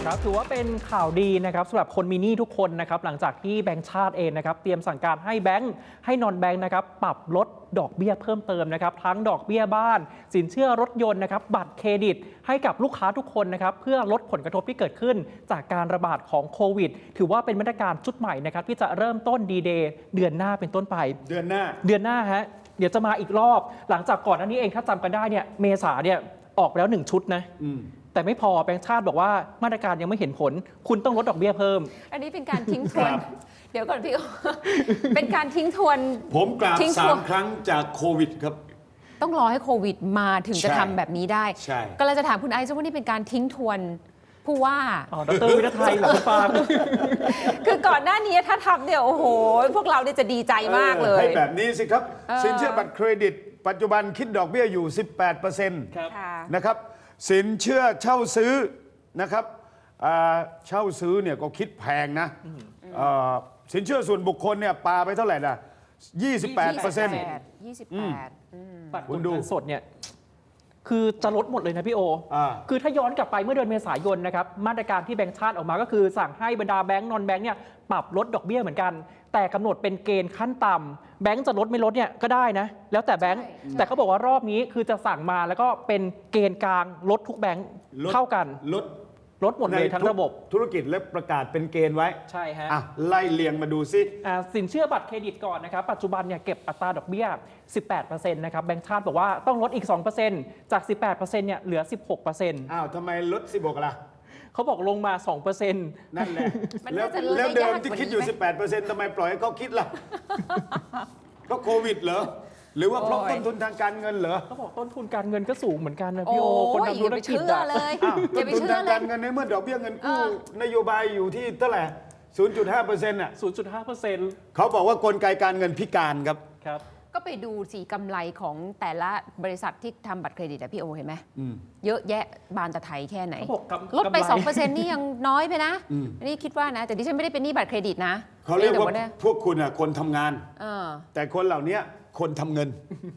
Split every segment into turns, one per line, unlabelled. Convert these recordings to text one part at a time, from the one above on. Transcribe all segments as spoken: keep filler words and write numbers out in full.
ครับถือว่าเป็นข่าวดีนะครับสำหรับคนมีหนี้ทุกคนนะครับหลังจากที่แบงก์ชาติเองนะครับเตรียมสั่งการให้แบงก์ให้นอนแบงก์นะครับปรับลดดอกเบี้ยเพิ่มเติมนะครับทั้งดอกเบี้ยบ้านสินเชื่อรถยนต์นะครับบัตรเครดิตให้กับลูกค้าทุกคนนะครับเพื่อลดผลกระทบที่เกิดขึ้นจากการระบาดของโควิดถือว่าเป็นมาตรการชุดใหม่นะครับที่จะเริ่มต้นดีเดย์เดือนหน้าเป็นต้นไป
เดือนหน้า
เดือนหน้าฮะเดี๋ยวจะมาอีกรอบหลังจากก่อนหน้านี้เองถ้าจำกันได้เนี่ยเมษาเนี่ยออกไปแล้วหนึ่งชุดนะแต่ไม่พอแบงก์ชาติบอกว่ามาตรการยังไม่เห็นผลคุณต้องลดดอกเบี้ยเพิ่ม
อันนี้เป็นการทิ้งทวนเดี๋ยวก่อนพี่ เป็นการทิ้งทวน
ผมกราบสามครั้งจากโควิดครับ
ต้องรอให้โควิดมาถึงจะทำแบบนี้ได้ก็เลยจะถามคุณไอซ์ว่านี่เป็นการทิ้งทวนผู้ว่า
อ๋อดร.วิทยไทยเหรอคุณปาล์ม
คือก่อนหน้านี้ถ้าทำเนี่ยโอ้โหพวกเราเนี่ยจะดีใจมากเลย
ให้แบบนี้สิครับสินเชื่อบัตรเครดิตปัจจุบันคิดดอกเบี้ยอยู่ สิบแปดเปอร์เซ็นต์ นะครับสินเชื่อเช่าซื้อนะครับเช่าซื้อเนี่ยก็คิดแพงนะสินเชื่อส่วนบุคคลเนี่ยปาไปเท่าไหร่ล่ะ ยี่สิบแปดเปอร์เซ็นต์
ยี่สิบแปด
บัตรกดเงินสดเนี่ยคือจะลดหมดเลยนะพี่โอคือถ้าย้อนกลับไปเมื่อเดือนเมษายนนะครับมาตรการที่แบงก์ชาติออกมาก็คือสั่งให้บรรดาแบงก์นอนแบงก์เนี่ยปรับลดดอกเบี้ยเหมือนกันแต่กำหนดเป็นเกณฑ์ขั้นต่ำแบงก์จะลดไม่ลดเนี่ยก็ได้นะแล้วแต่แบงก์แต่เขาบอกว่ารอบนี้คือจะสั่งมาแล้วก็เป็นเกณฑ์กลางลดทุกแบงก์เท่ากัน
ลด
ลดหมดเลยทั้งระบบ
ธุรกิจและประกาศเป็นเกณฑ์ไว้
ใช่ฮะ
ไล่เลียงมาดูซิ
สินเชื่อบัตรเครดิตก่อนนะครับปัจจุบันเนี่ยเก็บอัตราดอกเบี้ย สิบแปดเปอร์เซ็นต์ นะครับแบงก์ชาติบอกว่าต้องลดอีก สองเปอร์เซ็นต์ จาก สิบแปดเปอร์เซ็นต์ เนี่ยเหลือ สิบหกเปอร์เซ็นต์
อ้าวทำไมลดสิบหกล่ะ
เขาบอกลงมา สองเปอร์เซ็นต์
นั่นแหละแล้วเดิมที่คิดอยู่ สิบแปดเปอร์เซ็นต์ ทำไมปล่อยให้เขาคิดล่ะเพราะโควิดเหรอหรือว่าเพราะต้นทุนทางการเงินเหรอ
เขาบอกต้นทุนการเงินก็สูงเหมือนกันนะพี่โอคนทำธุรกิจ
อะเลย
ต้นทุนทางการเงินในเมื่อดอกเบี้ยเงินกู้นโยบายอยู่ที่เท่าไหร่ ศูนย์จุดห้าเปอร์เซ็นต์ อ่ะ
ศูนย์จุดห้าเปอร์เซ็นต์
เขาบอกว่ากลไกการเงินพิการครับ
ครับ
ก็ไปดูสีกำไรของแต่ละบริษัทที่ทำบัตรเครดิตอะพี่โอเห็นไหมเยอะแยะบานตะไทยแค่ไหนลดไป สองเปอร์เซ็นต์ นี่ยังน้อยไปนะนี่คิดว่านะแต่ดิฉันไม่ได้เป็นหนี้บัตรเครดิตนะ
เขาเรียกว่าพวกคุณอะคนทำงานแต่คนเหล่านี้คนทำเงิน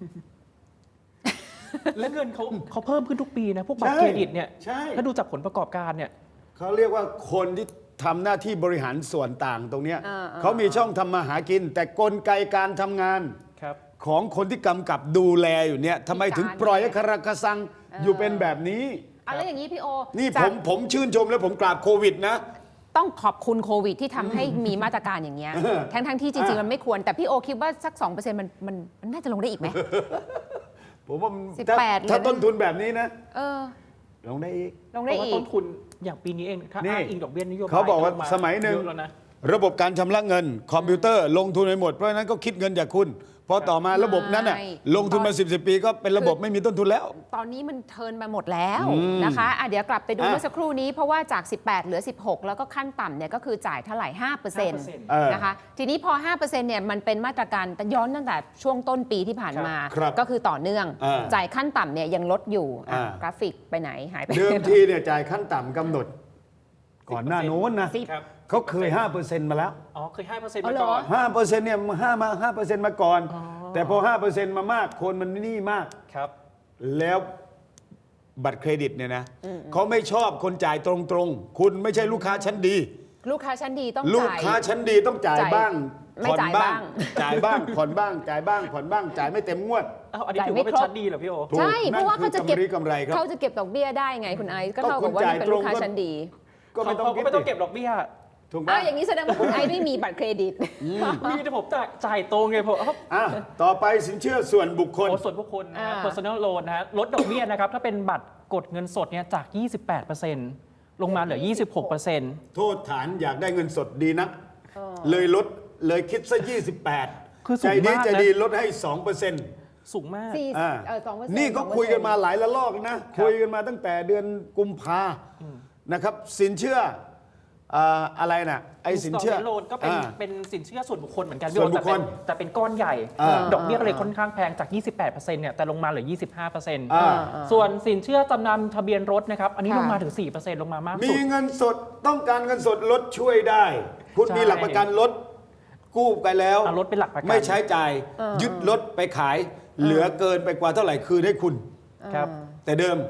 และเงินเขาเขาเพิ่มขึ้นทุกปีนะพวกบัตรเครดิตเนี่ยถ้าดูจากผลประกอบการเนี่ย
เขาเรียกว่าคนที่ทำหน้าที่บริหารส่วนต่างตรงนี้เขามีช่องทำมาหากินแต่กลไกการทำงานของคนที่กำกับดูแลอยู่เนี่ยทำไมถึงปล่อยให้คาราคาซังอยู่เป็นแบบนี้
อะไรอย่างนี้พี่โอ
นี่ผมผมชื่นชมและผมกราบโควิดนะ
ต้องขอบคุณโควิดที่ทำให้มีมาตรการอย่างเงี้ยทั้งทั้งที่จริงๆมันไม่ควรแต่พี่โอคิดว่าสัก สองเปอร์เซ็นต์ มันมันมันน่าจะลงได้อีกไหม
ผมว่าถ้าต้นทุนแบบนี้นะ
เออ
ลงได้อีก
ลงได้อีก
ต้นทุนอย่างปีนี้เองถ้าอ้างอิงดอกเบี้ยนโยบาย
เขาบอกว่าสมัยหนึ่งระบบการชำระเงินคอมพิวเตอร์ลงทุนไปหมดเพราะฉะนั้นก็คิดเงินจากคุณพอต่อมาระบบนั้นน่ะลงทุนมาสิบสิบปีก็เป็นระบบไม่มีต้นทุนแล้ว
ตอนนี้มันเทิร์นมาหมดแล้วนะคะะเดี๋ยวกลับไปดูเมื่อสักครู่นี้เพราะว่าจากสิบแปดเหลือสิบหกแล้วก็ขั้นต่ำเนี่ยก็คือจ่ายเท่าไหร่ ห้าเปอร์เซ็นต์ นะคะทีนี้พอ ห้าเปอร์เซ็นต์ เนี่ยมันเป็นมาตรการย้อนตั้งแต่ช่วงต้นปีที่ผ่านมาก็คือต่อเนื่องจ่ายขั้นต่ำเนี่ยยังลดอยู่กราฟิกไปไหนหายไป
เดิมทีเนี่ยจ่ายขั้นต่ำกำหนดก่อนหน้าโน้นนะเขาเคย ห้าเปอร์เซ็นต์ มาแล้ว
อ๋อเคย ห้าเปอร์เซ็นต์ มาก่อน
ห้าเปอร์เซ็นต์ เนี่ยห้ามา ห้าเปอร์เซ็นต์ มาก่อนแต่พอ ห้าเปอร์เซ็นต์ มามากคนมันหนี้มาก
ครับ
แล้วบัตรเครดิตเนี่ยนะเขาไม่ชอบคนจ่ายตรงๆคุณไม่ใช่ลูกค้าชั้นดี
ลูกค้าชั้นดีต้องจ่าย
ลูกค้าชั้นดีต้องจ่ายบ้างผ่อนบ้างจ่ายบ้างผ่อนบ้างจ่ายบ้างผ่อนบ้างจ่ายไม่เต็มงวด
อันนี้ถือว่าเป็นชั้นดีเหรอพี่โอ
ใช่เพราะว่าเขาจะเก็บ
กำไร
เขาจะเก็บดอกเบี้ยได้ไงคุณไอซ์ก็เท่ากับว่าเป็นลูกค้าชั้นดี
ก็ไม่ต้องไม่ต้องเก็บดอกเบี้ย
ถูกไหมอย่างนี้แสดงว่าคุณไอซ์ไม่มีบัตรเครดิต
มีแต่ผมจ่ายตรงไงผม
ต่อไปสินเชื่อส่วนบุคคล
ส่วนบุคคล personal loan นะลดดอกเบี้ยนะครับถ้าเป็นบัตรกดเงินสดเนี่ยจาก ยี่สิบแปดเปอร์เซ็นต์ ลงมาเหลือ ยี่สิบหกเปอร์เซ็นต์
โทษฐานอยากได้เงินสดดีนักเลยลดเลยคิดซะยี่สิบแปดใจดีใจดีลดให้ สองเปอร์เซ็นต์
สูงมาก
นี่ก็คุยกันมาหลายระลอกนะคุยกันมาตั้งแต่เดือนกุมภานะครับสินเชื่ออะไรน่ะไอ้สินเชื่อ
โลนก็เป็นเป็นสินเชื่อส่วนบุคคลเหมือนกันส่วนบุคคลแต่เป็นก้อนใหญ่ดอกเบี้ยก็เลยค่อนข้างแพงจาก ยี่สิบแปดเปอร์เซ็นต์ เนี่ยแต่ลงมาเหลือ ยี่สิบห้าเปอร์เซ็นต์ ส่วนสินเชื่อจำนำทะเบียนรถนะครับอันนี้ลงมาถึง สี่เปอร์เซ็นต์ ลงมามากสุด
มีเงินสดต้องการเงินสดลดช่วยได้คุณมีหลักประกันลดกู้ไปแล้ว
รถเป็นหลักประกัน
ไม่ใช้จ่ายยึดรถไปขายเหลือเกินไปกว่าเท่าไหร่คืนให้คุณ
ครับ
แต่เดิม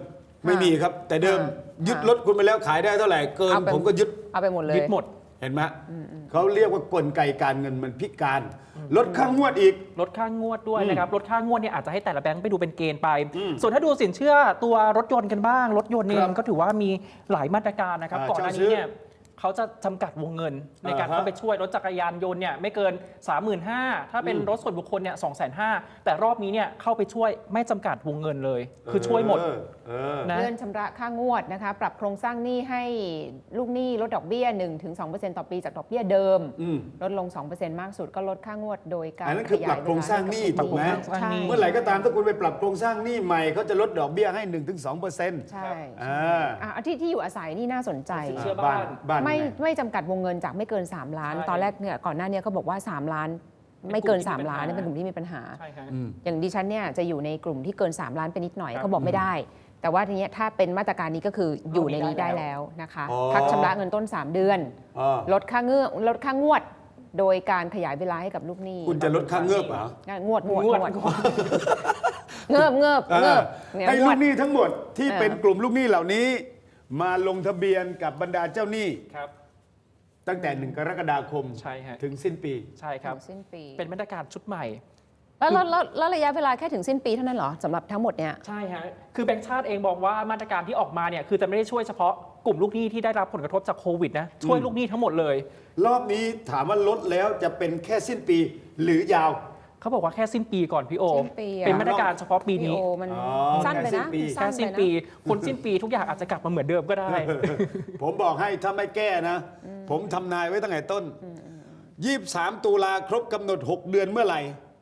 ไม่มีครับ แต่เดิม
อ่า
ยึดรถคุณไปแล้วขายได้เท่าไหร่เกิน
เอาไป
ผมก็ยึด
เอาไปหมดเลย
ยึดหมด
เห็นไหมเขาเรียกว่ากลไกการเงินมันพิการลดค่างวดอีก
ลดค่างวดด้วยนะครับลดค่างวดเนี่ยอาจจะให้แต่ละแบงค์ไปดูเป็นเกณฑ์ไป
อืม
ส่วนถ้าดูสินเชื่อตัวรถยนต์กันบ้าง รถยนต์เนี่
ค
ย
รับ
มันก็ถือว่ามีหลายมาตรการนะครับ
อ่า
ก่อนหน้า
เช่าซื้
นี้
อ
เนี่ยเขาจะจำกัดวงเงินในการ
อ่าฮะ
เข้าไปช่วยรถจักรยานยนต์เนี่ยไม่เกิน สามหมื่นห้าพัน ถ้าเป็น
อืม
รถส่วนบุคคลเนี่ยสองแสนห้าหมื่น แต่รอบนี้เนี่ยเข้าไปช่วยไม่จำกัดวงเงินเลย คือช่วยหมด
เออเออ
นะ
เลื่อนชำระค่างวดนะคะ ปรับโครงสร้างหนี้ให้ลูกหนี้ลดดอกเบี้ย หนึ่งถึงสองเปอร์เซ็นต์ ต่อปีจากดอกเบี้ยเดิม
อืม
ลดลง สองเปอร์เซ็นต์ มากสุดก็ลดค่างวดโดยการ
อันนั้นคือปรับโครงสร้างหนี้ถูกไหม
ใช่
เมื่อไหร่ก็ตามถ้าคุณไปปรับโครงสร้างหนี้ใหม่เขาจะลดดอกเบี้ยให้ หนึ่งถึงสองเปอร์เซ็นต์
ใช่
อ่า
อ่ะที่ที่อยู่อาศัยนี่น่าสนใจ
สินเชื่อ
บ้านบ้าน
ไม่
ไง
ไม่จำกัดวงเงินจากไม่เกิน สาม ล้าน
ใช่
ตอนแรกเนี่ยก่อนหน้าเนี้เขาบอกว่า สาม ล้าน ไม่เกิน สาม ล้านเนี่ยเป็นกลุ่มที่มีปัญหา
ใช่ครับ
อืม
อย่างดิฉันเนี่ยจะอยู่ในกลุ่มที่เกิน สาม ล้านไปนิดหน่อยเขาบอกไม่ได้ แต่ว่าทีเนี้ยถ้าเป็นมาตรการนี้ก็คืออยู่ในนี้ได้แล้วนะคะ
อ๋อ
พักชำระเงินต้น สาม เดือน
อ่า
ลดค่าเงื่อลดค่างวด โดยการขยายเวลาให้กับลูกหนี้
คุณจะลดค่าเงือบเหรอ
งวดงวด
งวด
งวดเงิบเงิบเงิบเนี่ย
ให้
ง
ลู
วด
กหนี้ทั้งหมดที่
เออ
เป็นกลุ่มลูกหนี้เหล่านี้ มาลงทะเบียนกับบรรดาเจ้าหนี้
ครับ
ตั้งแต่หนึ่งกรกฎาคม
ใช่ฮะ
ถึงสิ้นปี
ใช่ครับ
สิ้นปี
เป็นมาตรการชุดใหม่
แล้วแล้วแล้วแล้วระยะเวลาแค่ถึงสิ้นปีเท่านั้นเหรอสำหรับทั้งหมดเนี่ย
ใช่ฮะ คือแบงก์ชาติเองบอกว่ามาตรการที่ออกมาเนี่ยคือจะไม่ได้ช่วยเฉพาะกลุ่มลูกหนี้ที่ได้รับผลกระทบจากโควิดนะ ช่วยลูกหนี้ทั้งหมดเลย
รอบนี้ถามว่าลดแล้วจะเป็นแค่สิ้นปีหรือยาว
เขาบอกว่าแค่สิ้นปีก่อนพี่โอ
สิ้นปีอะ
เป็นมาตรการเฉพาะปีนี้
พี่โอมัน
อ๋อ
สั้นไป
แค่สิ้
นะ
นปี
แค่สิ้น
ไปะ
ปี คนสิ้นปีทุกอย่างอาจจะกลับมาเหมือนเดิมก็ได้
ผมบอกให้ถ้าไม่แก้นะ ผมทำนายไว้ตั้งแต่ต้น ยี่สิบสาม ตุลาครบกำหนด หก เดือนเมื่อไหร่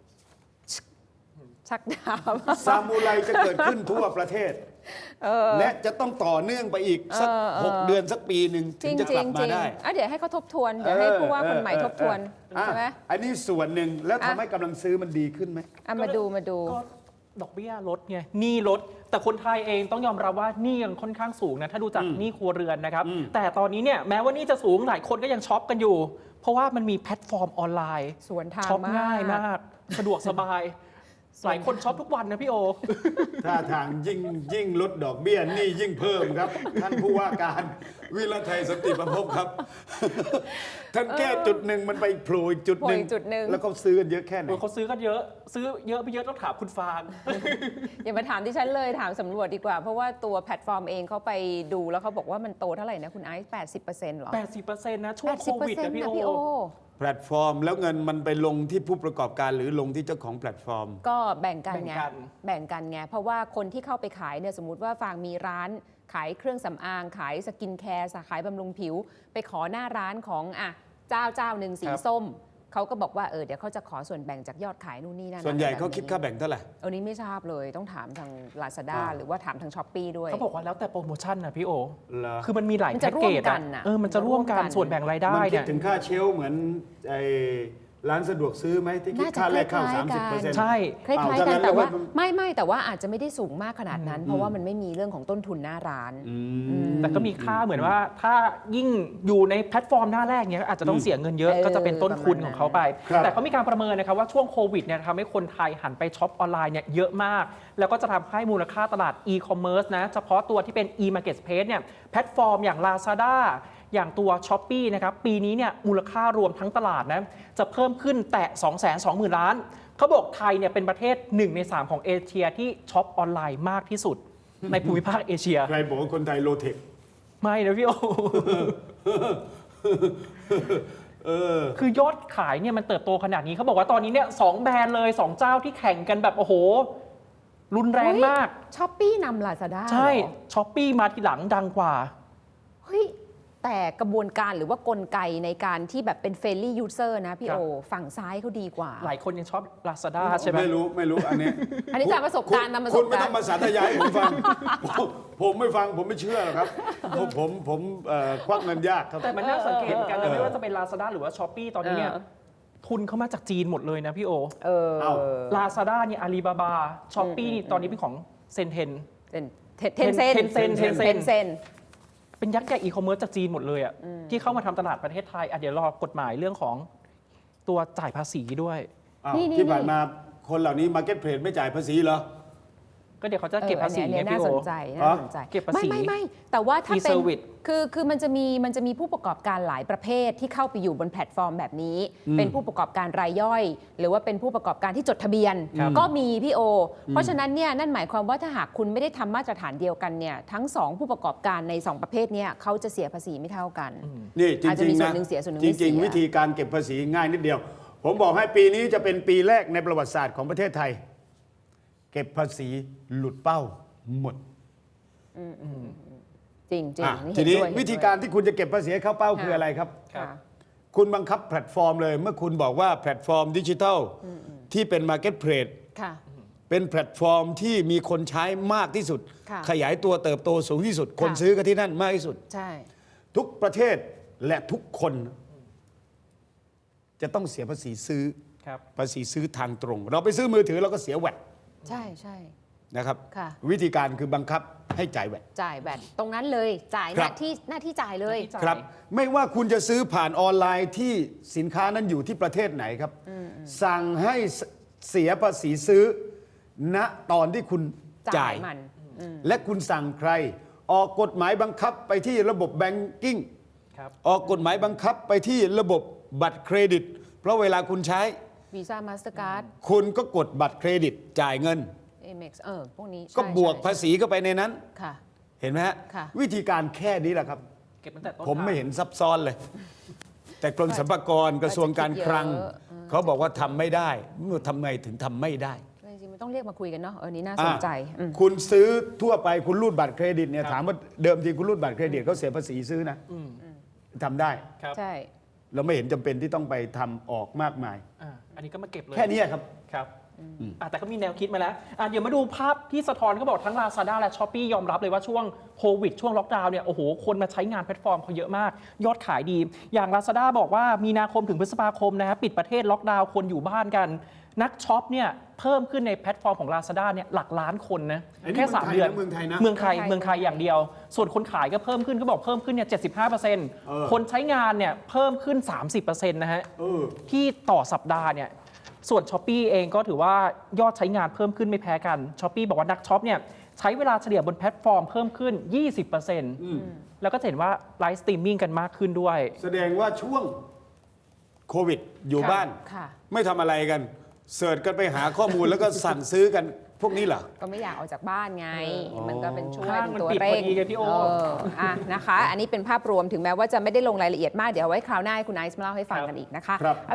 ชักดาบ
ซามูไรจะเกิดขึ้นทั่วประเทศ และจะต้องต่อเนื่องไปอีกสัก
เออเออ
หกเดือนสักปีหนึ่ง
จ
ถึ
ริ
ง
ง
จะ
จ
ก
ริ
ลั
ง
บ
จ
มา
ริง
ได้
อ่ะเดี๋ยวให้เขาทบทวน เดี๋ยวให้ผู้ว่าคนใหม่ทบทวน
อ่ะ
ใช่ไหม
อันนี้ส่วนหนึ่งแล้ว
อ่ะ
ทำให้กำลังซื้อมันดีขึ้นไหม
อ่ะมาดูมาดู
ก็ดอกเบี้ยลดไงหนี้ลด แต่คนไทยเองต้องยอมรับว่าหนี้ยังค่อนข้างสูงนะ ถ้าดูจาก
อืม
หนี้ครัวเรือนนะครับ
อืม
แต่ตอนนี้เนี่ยแม้ว่าหนี้จะสูงหลายคนก็ยังช็อปกันอยู่ เพราะว่ามันมีแพลตฟอร์มออนไลน์
สวนทาง
ช็อป
มาก
ง่ายมาก สะดวกสบาย หลายคนช็อปทุกวันนะพี่โอ
ถ้าทางยิ่งยิ่งลดดอกเบี้ยหนี่ยิ่งเพิ่มครับ ท่านผู้ว่าการวิรไทยสันติประพงศ์ครับ ท่านแก้จุดหนึ่งมันไปโผล่อีกจุดหนึ่ง
โผล่อีกจุดหนึ่ง
แล้วเขาซื้อกันเยอะแค่ไหน
โอ้ยเขาซื้อกันเยอะ ซื้อเยอะไปเยอะต้องถามคุณฟาง
อย่ามาถามที่ฉันเลยถามสำรวจดีกว่า เพราะว่าตัวแพลตฟอร์มเองเขาไปดูแล้วเขาบอกว่ามันโตเท่าไหร่นะคุณไอซ์ แปดสิบเปอร์เซ็นต์ เหรอ
แปดสิบเปอร์เซ็นต์นะช่วงโควิดนะพี่
นะ
โอ
พี่โอ
แพลตฟอร์ม แล้วเงินมันไปลงที่ผู้ประกอบการหรือลงที่เจ้าของแพลตฟอร์ม
ก็แบ่งกันไง
แบ่งกัน
แบ่งกันไง เพราะว่าคนที่เข้าไปขายเนี่ยสมมติว่าฟางมีร้านขายเครื่องสำอาง ขายสกินแคร์ขายบำรุงผิว ไปขอหน้าร้านของอ่ะเจ้าเจ้าหนึ่งสีส้ม เขาก็บอกว่าเออเดี๋ยวเขาจะขอส่วนแบ่งจากยอดขายนู่นนี่นั่น
ส่วนใหญ่
อะไร
เขาคิดค่าแบ่งเท่าไหร่
เออนี้ไม่ทราบเลยต้องถามทาง Lazada
อ่า
หรือว่าถามทาง Shopee ด้วย
เขาบอกว่าแล้วแต่โปรโมชั่นนะพี่โอ
เหรอ
คือมันมีหลาย
มัน
แพ็
จะ
ก
ร่
เก
วม
จ
กั
อะ
นน่ะ
เออมันจะร่วมกัน
มันจะร่วมกัน
ส่วนแบ่งรายได้
มันคิด
เนี่ย
ถึงค่าเชลฟ์เหมือนไอ้ร้านสะดวกซื้อไหมที่คิด
น่าจะ
ค่าแรกเข้า
คล้ายๆกัน
สามสิบเปอร์เซ็นต์
ใช่
คล้าย
เอา
ๆ
ถ้า
กัน
งั้น
แต่ว่า
แล้วมัน
ไม่ไม่แต่ว่าอาจจะไม่ได้สูงมากขนาดนั้น เพราะว่ามันไม่มีเรื่องของต้นทุนหน้าร้าน
แต่ก็มีค่าเหมือนว่าถ้ายิ่งอยู่ในแพลตฟอร์มหน้าแรกเนี่ยอาจจะต้องเสียเงินเยอะ
เออ
ก็จะเป็นต้นทุนของเขาไป
ครับ
แต่เขามีการประเมินนะครับว่าช่วงโควิดเนี่ยทำให้คนไทยหันไปช็อปออนไลน์เนี่ยเยอะมาก แล้วก็จะทำให้มูลค่าตลาดอีคอมเมิร์ซนะเฉพาะตัวที่เป็น e-marketplace เนี่ยแพลตฟอร์มอย่าง Lazada อย่างตัว Shopee นะครับปีนี้เนี่ยมูลค่ารวมทั้งตลาดนะจะเพิ่มขึ้นแตะ สองแสนสองหมื่น ล้านเขาบอกไทยเนี่ยเป็นประเทศหนึ่งในสามของเอเชียที่ช็อปออนไลน์มากที่สุด ในภูมิภาคเอเชีย
ใครบอกว่าคนไทยโลเทค
ไม่นะพี่โอ คือยอดขายเนี่ยมันเติบโตขนาดนี้เขาบอกว่าตอนนี้เนี่ยสองแบรนด์เลยสองเจ้าที่แข่งกันแบบโอ้โห รุนแรงมาก
ช้อปปี้นำ Lazada
ใช่
เหรอ
ช้อปปี้มาทีหลังดังกว่า
เฮ้ย แต่กระบวนการหรือว่ากลไกในการที่แบบเป็นเฟรนลี่ยูเซอร์นะพี่
ครั
โอบ ฝั่งซ้ายเขาดีกว่า
หลายคนยังชอบ Lazada ใช่ไหม
ไม่รู้ไม่รู้อันเนี้ย
อันนี้จากประสบการณ์
คุณ
นำประส
คุ
บ
ณไม่
การ
ต้อ
ณ์
งมาสาธยายให้ผมฟัง ผมผมไม่ฟังผมไม่เชื่อหรอกครับ ผมผมผมเอ่อควักเงินยากครับ
แต่มันน่าสังเกตเหมือนกัน
เอ
นะ
อ
ไม่ว่าจะเป็น Lazada หรือว่า Shopee ตอนนี้เนี่ย
เออ
ทุนเข้ามาจากจีนหมดเลยนะพี่โอ
เออ
เอ้า
Lazada เนี่ยอาลีบาบา Shopee นี่ตอนนี้เป็นของเซนเทน
เทนเซน
Tencent Tencent
เทนเซน
เป็นยักษ์ใหญ่อีคอมเมิร์ซจากจีนหมดเลยอ่ะที่เข้ามาทำตลาดประเทศไทยอ่ะเดี๋ยวรอกฎหมายเรื่องของตัวจ่ายภาษีด้วย
อ้าว
นี่นี่
ที่ผ่านมาคนเหล่านี้มาร์เก็ตเพลสไม่จ่ายภาษีเหรอ
ก็เดี๋ยวเขาจะเก็บภาษี
ออ
ไง
อันเนี้ย
พี่
น่า
โอ
สนใจ
อ๋อ
น่าสนใจ
เก็บภาษี
ไม่ไม่ไม่แต่ว่าถ้า
มี
เป็น
service
คือคือมันจะมีมันจะมีผู้ประกอบการหลายประเภทที่เข้าไปอยู่บนแพลตฟอร์มแบบนี้ เป็นผู้ประกอบการรายย่อย หรือว่าเป็นผู้ประกอบการที่จดทะเบียน ก็มีพี่โอ เพราะฉะนั้นเนี่ยนั่นหมายความว่าถ้าหากคุณไม่ได้ทำมาตรฐานเดียวกันเนี่ยทั้งสองผู้ประกอบการในสองประเภทเนี่ยเขาจะเสียภาษีไม่เท่ากัน
นี่จ
อาจจะ
ริ
มี
งๆ
ส่วน
นะ
หนึ่งเสียส่วนหนึ่ง
จ
ไม่เสี
ริ
ย
ง ๆ วิธีการเก็บภาษีง่ายนิดเดียว ผมบอกให้ปีนี้จะเป็นปีแรกในประวัติศาสตร์ของประเทศไทย เก็บภาษีหลุดเป้าหมด
จริงจริง
อ่ะ
นี่
ที
เห็น
นี้
ด้วย
วิธีการที่คุณจะเก็บภาษีให้เข้าเป้าคืออะไรครับ
ค่ะ
คุณบังคับแพลตฟอร์มเลย เมื่อคุณบอกว่าแพลตฟอร์มดิจิทัลที่เป็นมาร์เก็ตเพลส
ค่ะ
เป็นแพลตฟอร์มที่มีคนใช้มากที่สุด
ค่ะ
ขยายตัวเติบโตสูงที่สุด คน
ค่ะ
ซื้อกันที่นั่นมากที่สุด
ใช่
ทุกประเทศและทุกคน จะต้องเสียภาษีซื้อ
ครับ
ภาษีซื้อทางตรง เราไปซื้อมือถือเราก็เสียแวด
ใช่ใช่
นะครับ
ค่ะ
วิธีการคือบังคับให้จ่ายแวด
จ่ายแบตตรงนั้นเลยจ่ายห
ครั
น้า
บ
ที่หน้าที่จ่ายเลย
หน้าที่จ่าย
ครับ ไม่ว่าคุณจะซื้อผ่านออนไลน์ที่สินค้านั้นอยู่ที่ประเทศไหนครับ สั่งให้เสียภาษีซื้อ ณตอนที่คุณจ่า
จ่าย ยมัน
และคุณสั่งใคร ออกกฎหมายบังคับไปที่ระบบแบงกิ้ง
ครับ
ออกกฎหมายบังคับไปที่ระบบบัตรเครดิต เพราะเวลาคุณใช้
วีซ่ามาสเตอร์การ์ด
คุณก็กดบัตรเครดิตจ่ายเงิน
เอเม็กซ์เออพวกนี้
ก็
ใช่
บวก
ใช่
ภาษีเข้าไปในนั้น
ค่ะ
เห็นไหมฮะ
ค่ะ
วิธีการแค่นี้แหละครับ
เก็บตั้งแต่ต้น
ผมไม่
ทาง
เห็นซับซ้อนเลย แต่กรมสรรพากรกระทรวงการคลัง เขาบอกว่าทำไม่ได้เมื่อทำไมถึงทำไม่ได้
จริงๆมันต้องเรียกมาคุยกันเนาะเออนี่น่าส
อ่ะ
นใจอืม
คุณซื้อทั่วไปคุณรูดบัตรเครดิตเนี่ยถามว่าเดิมทีคุณรูดบัตรเครดิตเขาเสียภาษีซื้อนะทำได้
ครับ
ใช่
เราไม่เห็นจำเป็นที่ต้องไปทำออกมากมาย
อ่าอันนี้ก็มาเก็บเลย
แค่นี้ครับ
ครับอ่ะแต่เขามีแนวคิดมาแล้วอ่ะเดี๋ยวมาดูภาพที่สะท้อนเขาบอกทั้ง Lazada และ Shopee ยอมรับเลยว่าช่วงโควิดช่วงล็อกดาวน์เนี่ยโอ้โหคนมาใช้งานแพลตฟอร์มเขาเยอะมาก ยอดขายดี อย่าง Lazada บอกว่ามีนาคมถึงพฤษภาคมนะฮะปิดประเทศล็อกดาวน์คนอยู่บ้านกัน นักช็อปเนี่ยเพิ่มขึ้นในแพลตฟอร์มของ Lazada เนี่ยหลักล้านคนนะ
อันนี้
แค่สามเดือน
เมืองไทยนะ
เมืองไทย
เมื
เมื
อ
อง ง
ไท
ไท
ย
ยอย่างเดียว ส่วนคนขายก็เพิ่มขึ้นเขาบอกเพิ่มขึ้นเนี่ยเจ็ดสิบห้าเปอร์เซ็นต์
เออ
คนใช้งานเนี่ยเพิ่มขึ้น สามสิบเปอร์เซ็นต์ นะฮะ
เออ
ที่ต่อสัปดาห์เนี่ย ส่วน Shopee เองก็ถือว่ายอดใช้งานเพิ่มขึ้นไม่แพ้กัน Shopee บอกว่านักช็อปเนี่ยใช้เวลาเฉลี่ยบนแพลตฟอร์มเพิ่มขึ้น ยี่สิบเปอร์เซ็นต์ แล้วก็จะเห็นว่าไลฟ์สตรีมมิ่งกันมากขึ้นด้วย
แสดงว่าช่วงโควิดอยู่
ค่ะ
บ้าน
ค่ะ
ไม่ทำอะไรกัน เสิร์ชกันไปหาข้อมูลแล้วก็สั่งซื้อกันพวกนี้เหรอ
ก็ไม่อยากออกจากบ้านไง
อ๋อ
มันก็เป็นช่วย
ห้าง
เป็น
มัน
ตัว
ปิด
เร่
พอง ดีไงพี่โอ
เอออ่ะนะคะ อันนี้เป็นภาพรวมถึงแม้ว่าจะไม่ได้ลงรายละเอียดมากเดี๋ยวเอาไว้คราวหน้าให้คุณไอซ์มาเล่าให้ฟังกันอีกนะคะ
ครับ